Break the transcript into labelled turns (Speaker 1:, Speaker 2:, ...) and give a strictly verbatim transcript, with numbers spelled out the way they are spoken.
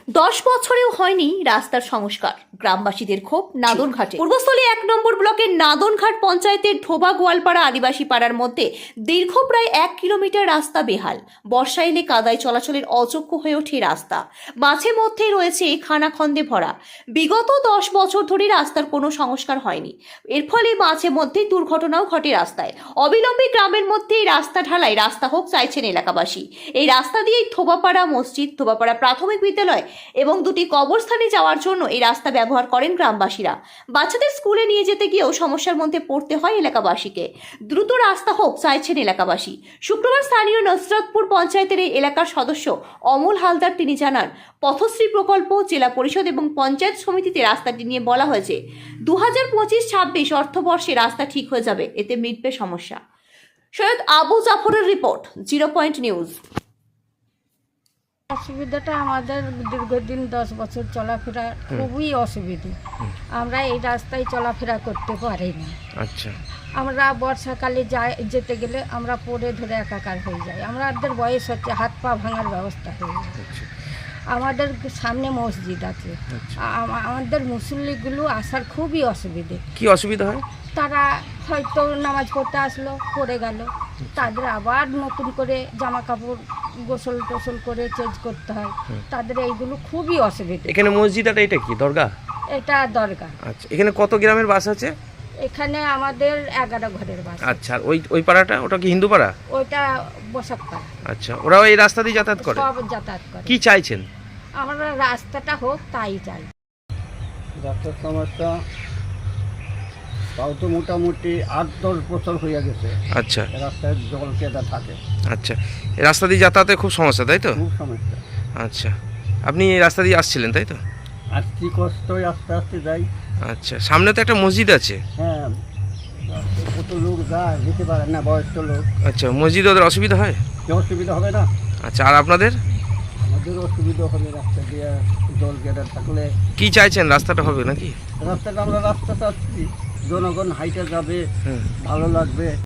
Speaker 1: দশ বছরেও হয়নি রাস্তার সংস্কার, গ্রামবাসীদের ক্ষোভ নাদনঘাটে। পূর্বস্থলী এক নম্বর ব্লকের নাদনঘাট পঞ্চায়েতের ঢোবা গোয়ালপাড়া আদিবাসী পাড়ার মধ্যে দীর্ঘ প্রায় এক কিলোমিটার রাস্তা বেহাল। বর্ষা এলে কাদায় চলাচলের অযোগ্য হয়ে ওঠে রাস্তা, মাঝে মধ্যেই রয়েছে খানাখন্দে ভরা। বিগত দশ বছর ধরে রাস্তার কোনো সংস্কার হয়নি, এর ফলে মাঝে মধ্যে দুর্ঘটনাও ঘটে রাস্তায়। অবিলম্বে গ্রামের মধ্যে এই রাস্তা ঢালাই রাস্তা হোক চাইছেন এলাকাবাসী। এই রাস্তা দিয়েই থোবাপাড়া মসজিদ, থোবাপাড়া প্রাথমিক বিদ্যালয় এবং দুটি কবরস্থানে যাওয়ার জন্য এই রাস্তা ব্যবহার করেন গ্রামবাসীরা। বাচ্চাদের স্কুলে নিয়ে যেতে গিয়েও সমস্যার মধ্যে পড়তে হয় এলাকাবাসীকে। দ্রুত রাস্তা হোক চাইছেন এলাকাবাসী। শুক্রবার স্থানীয় নসরতপুর পঞ্চায়েতের এই এলাকার সদস্য অমল হালদার তিনি জানান, পথশ্রী প্রকল্প, জেলা পরিষদ এবং পঞ্চায়েত সমিতিতে রাস্তাটি নিয়ে বলা হয়েছে দু হাজার পঁচিশ ছাব্বিশ অর্থবর্ষে রাস্তা ঠিক হয়ে যাবে, এতে মিটবে সমস্যা। সৈয়দ আবু জাফরের রিপোর্ট, জিরো পয়েন্ট নিউজ।
Speaker 2: অসুবিধাটা আমাদের দীর্ঘদিন দশ বছর চলাফেরা খুবই অসুবিধে। আমরা এই রাস্তায় চলাফেরা করতে পারি না।
Speaker 3: আচ্ছা,
Speaker 2: আমরা বর্ষাকালে যাই যেতে গেলে আমরা পড়ে ধরে একাকার হয়ে যাই। আমাদের বয়স হচ্ছে, হাত পা ভাঙার ব্যবস্থা হয়ে যায়। আমাদের সামনে মসজিদ আছে, আ- আমাদের মুসল্লিগুলো আসার খুবই অসুবিধে।
Speaker 3: কি অসুবিধা হয়?
Speaker 2: তারা হয়তো নামাজ পড়তে আসলো, পড়ে গেল, তাদের আবার নতুন করে জামা কাপড় গোসল টোসল করে চেঞ্জ করতে হয়। তাদের এইগুলো খুবই অসুবিধা।
Speaker 3: এখানে মসজিদটা এটা কি দরগা?
Speaker 2: এটা দরকার।
Speaker 3: আচ্ছা, এখানে কত গ্রামের বাস আছে?
Speaker 2: এখানে আমাদের এগারো ঘরের বাস।
Speaker 3: আচ্ছা, আর ওই ওই পাড়াটা, ওটা কি হিন্দু পাড়া?
Speaker 2: ওইটা বসাক পাড়া।
Speaker 3: আচ্ছা, ওরাও এই রাস্তা দিয়ে যাতায়াত করে?
Speaker 2: সব যাতায়াত করে।
Speaker 3: কি চাইছেন?
Speaker 2: আমরা রাস্তাটা হোক তাই চাই।
Speaker 4: রাস্তার সমস্যা তাও তো মোটামুটি আট দশ বছর হয়ে গেছে।
Speaker 3: আচ্ছা
Speaker 4: রাস্তায় জল কেদা থাকে,
Speaker 3: আচ্ছা, এই রাস্তা দিয়ে যাতায়াতে খুব সমস্যা, তাই তো?
Speaker 4: খুব সমস্যা।
Speaker 3: আচ্ছা, আপনি এই রাস্তা দিয়ে আসছিলেন, তাই তো?
Speaker 4: আর কি কষ্ট, আস্তে আস্তে যাই।
Speaker 3: আচ্ছা, সামনে তো একটা মসজিদ আছে।
Speaker 4: হ্যাঁ, কত লোক যায়, যেতে পারে না, বয়স্ক লোক।
Speaker 3: আচ্ছা, মসজিদে ওদের অসুবিধা হয়?
Speaker 4: কি অসুবিধা হবে না?
Speaker 3: আচ্ছা, আর আপনাদের?
Speaker 4: আমাদের অসুবিধা হবে রাস্তা দিয়ে জল কেদা থাকলে।
Speaker 3: কি চাইছেন, রাস্তাটা হবে নাকি?
Speaker 4: রাস্তাটা আমরা রাস্তা চাচ্ছি, জনগণ হাইটে যাবে,
Speaker 3: হুম।
Speaker 4: ভালো লাগবে।